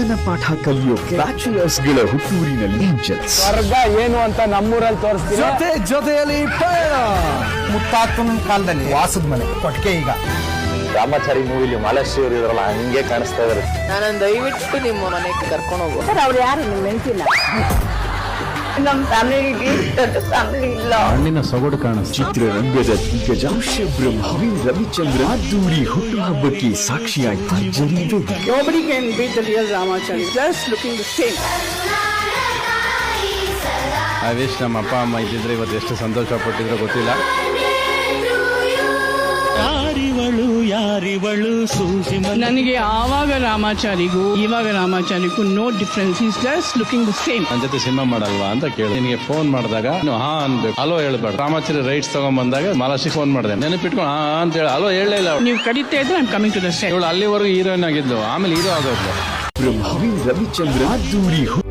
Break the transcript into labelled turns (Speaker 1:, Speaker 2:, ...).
Speaker 1: ಜೀವನ ಪಾಠ ಕಲಿಯೋಕೆ ಬ್ಯಾಚುಲರ್ಸ್ ಗಳ ಹುಟ್ಟೂರಿನಲ್ಲಿ ಏಂಜಲ್ಸ್.
Speaker 2: ಸ್ವರ್ಗ ಏನು ಅಂತ ನಮ್ಮೂರಲ್ಲಿ ತೋರಿಸ್ತೀನಿ.
Speaker 3: ಜೊತೆಯಲ್ಲಿ ಮುತ್ತಾತನ ಕಾಲದಲ್ಲಿ ವಾಸದ ಮನೆ ಕೊಟ್ಟಿಗೆ. ಈಗ
Speaker 4: ರಾಮಾಚಾರಿ ಮೂವಿಲಿ ಮಾಲಾಶ್ರೀ ಅವರು ಇದ್ರಲ್ಲ ಹಂಗೆ ಕಾಣಿಸ್ತಾ ಇದಾರೆ.
Speaker 5: ನಾನು ದಯವಿಟ್ಟು ನಿಮ್ಮ ಮನೆಗೆ ಕರ್ಕೊಂಡು ಹೋಗು.
Speaker 6: ಸರ್ ಅವ್ರು ಯಾರು ನಿಮ್ಮ ಹೆಂಡತಿನ? ನಮ್ಮ ಫ್ಯಾಮಿಲಿ ಇಲ್ಲ.
Speaker 3: ಹಣ್ಣಿನ ಸೊಗಡು ಕಾಣಿಸ್ತು.
Speaker 1: ಚಿತ್ರರಂಗದ ದಿಗ್ಗಜ ಬ್ರಹ್ಮವಿ ರವಿಚಂದ್ರ ಅದ್ದೂರಿ ಹುಟ್ಟುಹಬ್ಬಕ್ಕೆ ಸಾಕ್ಷಿಯಾಗಿ ಭರ್ಜರಿ ವೇದಿಕೆ.
Speaker 6: Nobody can beat the real Ramachari. Just looking the same.
Speaker 3: I wish ನಮ್ಮ ಅಪ್ಪ ಅಮ್ಮ ಇದ್ದಿದ್ರೆ ಇವತ್ತು ಎಷ್ಟು ಸಂತೋಷ ಪಟ್ಟಿದ್ರು ಗೊತ್ತಿಲ್ಲ.
Speaker 7: ನನಗೆ ಆವಾಗ ರಾಮಾಚಾರಿಗೂ ಇವಾಗ ರಾಮಾಚಾರಿಗೂ no difference. Is just looking the same.
Speaker 3: ನನ್ನ ಜೊತೆ ಸಿನಿಮಾ ಮಾಡಲ್ವಾ ಅಂತ ಕೇಳಿ ನಿನಗೆ ಫೋನ್ ಮಾಡಿದಾಗ ಹಾ ಅನ್ಬೇಕು, ಹಲೋ ಹೇಳ್ಬೇಡ. ರಾಮಾಚಾರಿ ರೈಟ್ಸ್ ತಗೊಂಡ್ ಬಂದಾಗ ಮಾಲಾಶ್ರೀ ಫೋನ್ ಮಾಡಿದೆ, ನೆನಪಿಟ್ಕೊಂಡು ಹಾ ಅಂತ ಹೇಳಿ ಹಲೋ ಹೇಳಲೇ ಇಲ್ಲ.
Speaker 7: ನೀವು ಕರೀತಾ ಇದ್ರೆ I am coming to the set.
Speaker 3: ಇವಳು ಅಲ್ಲಿವರೆಗೂ ಹೀರೋಯಿನ್ ಆಗಿದ್ಲು, ಆಮೇಲೆ ಹೀರೋ ಆಗೋದು.
Speaker 1: ಬ್ರಹ್ಮವಿ ರವಿಚಂದ್ರ ಅದ್ದೂರಿ